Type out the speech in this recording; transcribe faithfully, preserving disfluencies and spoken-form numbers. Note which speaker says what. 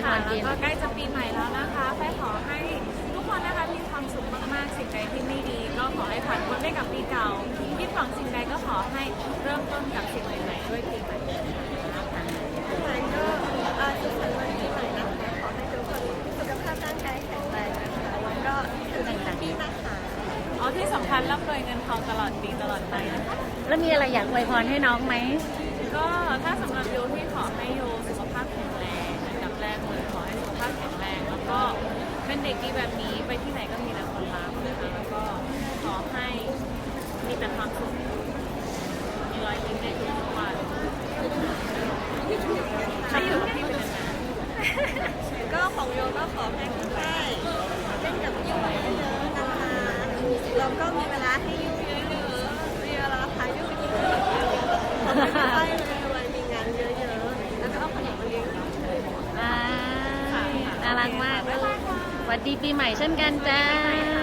Speaker 1: วยพรปี
Speaker 2: ก็ใกล้จะปีใหม่แล้วนะคะแค่ขอให้ทุกคนนะคะมีความสุขมากๆสิ่งใดที่ไม่ดีก็ขอให้ผ่านพ้นไปกับปีเก่าคิดหวังสิ่งใดก็ขอให้เริ่มต้นกับสิ่งใหม่ๆด้วยปีใหม่นะคะ
Speaker 3: ปีใหม่ก็เอ่อสุขสันต์วันปีใหม่นะคะขอให้ทุกคนสุขภาพร่างกายแข็งแรงนะคะแล้วก็ถึงปีนะคะ
Speaker 2: อ๋อที่สำคัญร่ำรวยเงินทองตลอดปีตลอดไปนะคะ
Speaker 1: แล้วมีอะไรอยากอวยพรให้น้องไหม
Speaker 2: ก็ถ้าสำหรับโยที่ขอให้โยสุขภาพแข็งแรงอันดับแรกเลยขอให้สุขภาพแข็งแรงแล้วก็เป็นเด็กดีแบบนี้ไปที่ไหนก็มีแต่คนรักนะคะแล้วก็ขอให้มีแต่ความสุขมีรอยยิ้มในทุกๆวันให้อยู่กับพี่เป็นนานๆ
Speaker 3: ก็ของโยก็ขอให้คุณแม่เล่นกับยุ่งเยอะๆนะคะเราก็มีเวลาให้ยุ่งเยอะๆมีเวลาพายุ่งเยอะๆขอให้คุณแม่รวยๆมีงานเยอะๆแล้วก็เอาขนมมาเลี้ยงเรา
Speaker 1: อ่าน่ารักมากสวัสดีปีใหม่เช่นกันจ้า